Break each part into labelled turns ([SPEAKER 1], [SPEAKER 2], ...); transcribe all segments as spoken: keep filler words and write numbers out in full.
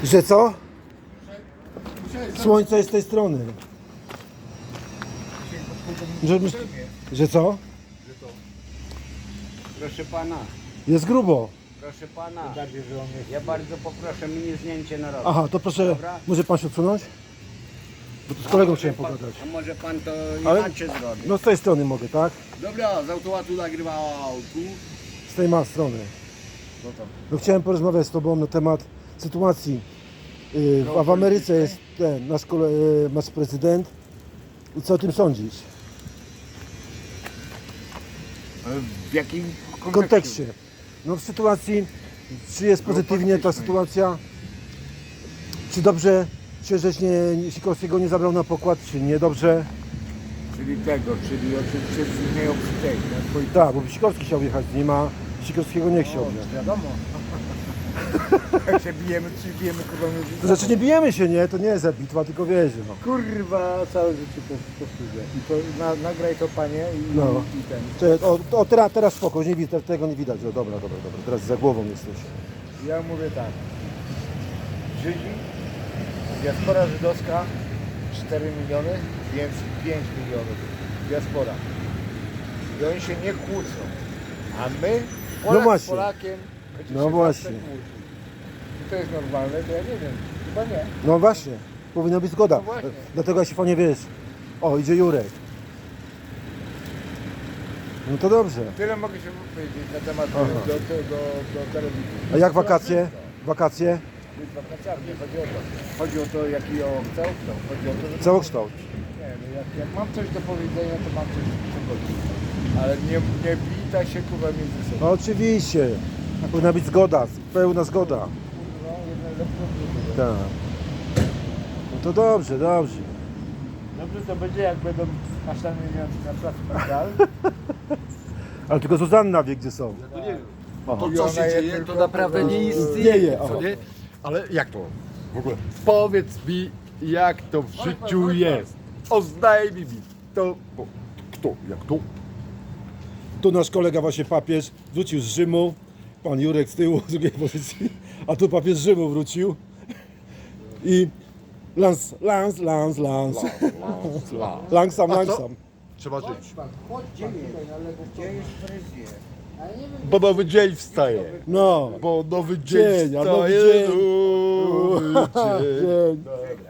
[SPEAKER 1] Że co? Słońce jest z tej strony. Że, że co?
[SPEAKER 2] Proszę pana,
[SPEAKER 1] Jest grubo.
[SPEAKER 2] proszę pana, ja bardzo poproszę mnie zdjęcie na rok.
[SPEAKER 1] Aha, to proszę,
[SPEAKER 2] Dobra.
[SPEAKER 1] może pan się odsunąć? Bo tu z kolegą chciałem pogadać.
[SPEAKER 2] A może pan to
[SPEAKER 1] Ale-
[SPEAKER 2] inaczej zrobi?
[SPEAKER 1] No z tej strony mogę, tak?
[SPEAKER 2] Dobra, z automatu nagrywał tu.
[SPEAKER 1] Z tej ma strony.
[SPEAKER 2] No to.
[SPEAKER 1] No chciałem porozmawiać z tobą na temat sytuacji. Yy, w, w Ameryce jest ten nasz, kole, yy, nasz prezydent. I co o tym sądzisz?
[SPEAKER 2] W jakim
[SPEAKER 1] W kontekście. No w sytuacji, czy jest pozytywnie ta sytuacja? Czy dobrze się żeś nie, Sikorskiego nie zabrał na pokład, czy nie dobrze?
[SPEAKER 2] Czyli tego, czyli oczywiście z niej obstej.
[SPEAKER 1] Tak, bo Sikorski chciał jechać z nim, a Sikorskiego nie chciał. Nie?
[SPEAKER 2] Wiadomo. Jak się bijemy, czy bijemy kurwa nie
[SPEAKER 1] To znaczy nie bijemy się, nie? To nie jest bitwa, tylko wiesz, no.
[SPEAKER 2] Kurwa, całe życie to powtórzę. I to na, nagraj to panie i,
[SPEAKER 1] No.
[SPEAKER 2] i ten.
[SPEAKER 1] Czekaj, o, o teraz, teraz spoko, nie widać, tego nie widać. O, dobra, dobra, dobra, teraz za głową jesteś.
[SPEAKER 2] Ja mówię tak. Żydzi, diaspora żydowska cztery miliony, więc pięć milionów. Diaspora. I oni się nie kłócą. A my, Polak
[SPEAKER 1] No
[SPEAKER 2] z
[SPEAKER 1] właśnie.
[SPEAKER 2] Polakiem, będzie
[SPEAKER 1] No
[SPEAKER 2] się
[SPEAKER 1] właśnie.
[SPEAKER 2] zawsze kłócił. Czy to jest normalne? To ja nie wiem. Chyba nie.
[SPEAKER 1] No właśnie, powinna być zgoda.
[SPEAKER 2] No właśnie.
[SPEAKER 1] Dlatego ja się panie wiesz. O, idzie Jurek. No to dobrze.
[SPEAKER 2] Tyle mogę się powiedzieć na temat do,
[SPEAKER 1] Aha.
[SPEAKER 2] do, do, do, do telewizji.
[SPEAKER 1] A jak wakacje? Wakacje?
[SPEAKER 2] Jest wakacjami, nie chodzi o to. Chodzi o to, jaki o całokształt. Chodzi o to, że...
[SPEAKER 1] Całokształt.
[SPEAKER 2] Nie, no jak, jak mam coś do powiedzenia, to mam coś do powiedzenia. Ale nie, nie wita się kurwa między sobą.
[SPEAKER 1] No oczywiście. Powinna być zgoda, pełna zgoda.
[SPEAKER 2] No, jeden lepszy od drugiego.
[SPEAKER 1] Tak. No to dobrze, dobrze.
[SPEAKER 2] Dobrze to będzie, jak będą kasztany na placu Pandal.
[SPEAKER 1] Ale tylko Zuzanna wie, gdzie są.
[SPEAKER 3] No nie wiem.
[SPEAKER 1] Aha.
[SPEAKER 3] To
[SPEAKER 2] I
[SPEAKER 3] co
[SPEAKER 2] ona
[SPEAKER 3] się
[SPEAKER 2] je
[SPEAKER 3] dzieje,
[SPEAKER 2] tylko
[SPEAKER 3] to naprawdę
[SPEAKER 2] po-
[SPEAKER 3] nie
[SPEAKER 1] Dzieje,
[SPEAKER 3] istnieje,
[SPEAKER 1] aha.
[SPEAKER 3] co nie? Ale jak to w ogóle? Powiedz mi, jak to w życiu jest. Oznajmij mi to, bo kto, jak to?
[SPEAKER 1] Tu nasz kolega właśnie papież wrócił z Rzymu. Pan Jurek z tyłu, z drugiej pozycji. A tu papież z Rzymu wrócił. I lans, lans, lans, lans. Langsam,
[SPEAKER 3] A co?
[SPEAKER 1] langsam.
[SPEAKER 3] Trzeba żyć.
[SPEAKER 2] Gdzie jest? Gdzie jest fryzjer?
[SPEAKER 3] Bo nowy dzień wstaje.
[SPEAKER 1] No.
[SPEAKER 3] Bo nowy dzień,
[SPEAKER 1] Dzień, a nowy
[SPEAKER 3] wstaje.
[SPEAKER 1] dzień.
[SPEAKER 3] Nowy dzień.
[SPEAKER 1] Dzień.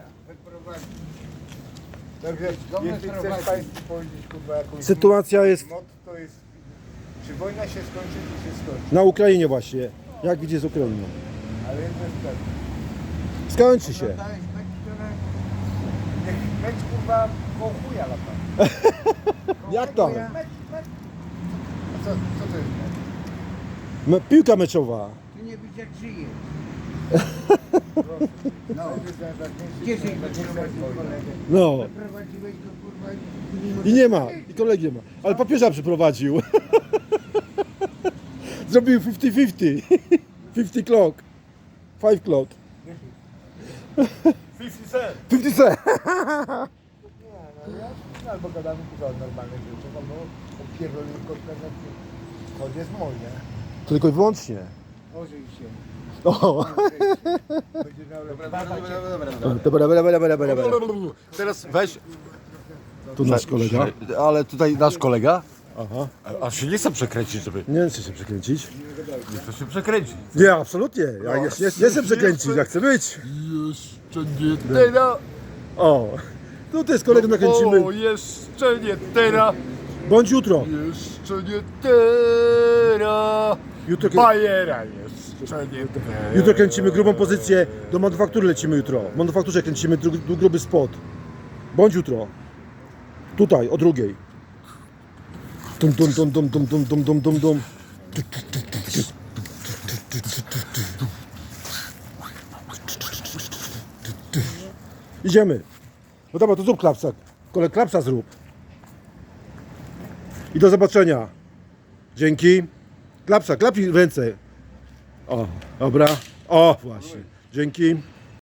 [SPEAKER 2] Także jeśli chcesz Państwu powiedzieć kurwa jakąś
[SPEAKER 1] Sytuacja jest
[SPEAKER 2] mod, to jest... Czy wojna się skończy, czy się skończy?
[SPEAKER 1] na Ukrainie właśnie. Jak widzisz z Ukrainą?
[SPEAKER 2] Ale jedno jest pewne.
[SPEAKER 1] Skończy się.
[SPEAKER 2] To jest mecz, który... Niech mecz kurwa koło chuja lata.
[SPEAKER 1] Jak to?
[SPEAKER 2] Mecz, mecz. A co, co to jest mecz?
[SPEAKER 1] Me- Piłka meczowa.
[SPEAKER 4] Ty nie widzisz jak żyje.
[SPEAKER 2] No. To jest najważniejszy,
[SPEAKER 4] Gdzie żyje?
[SPEAKER 2] najważniejsza
[SPEAKER 4] Prowadził
[SPEAKER 2] wojna.
[SPEAKER 4] kolegę.
[SPEAKER 1] No.
[SPEAKER 4] Prowadziłeś go kurwa
[SPEAKER 1] I nie ma. I kolegi nie ma. Ale papieża przyprowadził. Zrobił pięćdziesiąt pięćdziesiąt. pięćdziesiąt clock. pięć clock.
[SPEAKER 3] fifty cent.
[SPEAKER 1] pięćdziesiąt cent.
[SPEAKER 2] Nie, no ja albo gadamy kurwa o normalnych rzeczach, albo o pierdoleniu konferencji. To jest moje.
[SPEAKER 1] Tylko i wyłącznie.
[SPEAKER 2] Ożyj się.
[SPEAKER 1] O.
[SPEAKER 2] Będzie miał lepszy.
[SPEAKER 3] Dobra, dobra, dobra,
[SPEAKER 1] Dobra, dobra, dobra, dobra, dobra.
[SPEAKER 3] Teraz weź.
[SPEAKER 1] Tu nasz kolega.
[SPEAKER 3] Ale tutaj nasz kolega.
[SPEAKER 1] Aha.
[SPEAKER 3] A się nie chce przekręcić, żeby.
[SPEAKER 1] Nie chcę się przekręcić.
[SPEAKER 3] Nie chce się przekręcić.
[SPEAKER 1] Nie, absolutnie. Ja nie, nie, nie chcę przekręcić, ja chcę być.
[SPEAKER 3] Jeszcze nie teraz.
[SPEAKER 1] O. Tu jest kolegę nakręcimy.
[SPEAKER 3] O, jeszcze nie teraz.
[SPEAKER 1] Bądź jutro.
[SPEAKER 3] Jeszcze nie teraz.
[SPEAKER 1] Jutro,
[SPEAKER 3] Bajera jeszcze nie teraz.
[SPEAKER 1] jutro kręcimy grubą pozycję. Do manufaktury lecimy jutro. W manufakturze kręcimy dru, dru, gruby spot. Bądź jutro. Tutaj, o drugiej. Dum, dum, dum, dum, dum, dum, dum, dum, dum, dum. Idziemy. No dobra, to zrób klapsa. Kolej, klapsa zrób. I do zobaczenia. Dzięki. Klapsa, klapnij w ręce. O, dobra. O, właśnie. Dzięki.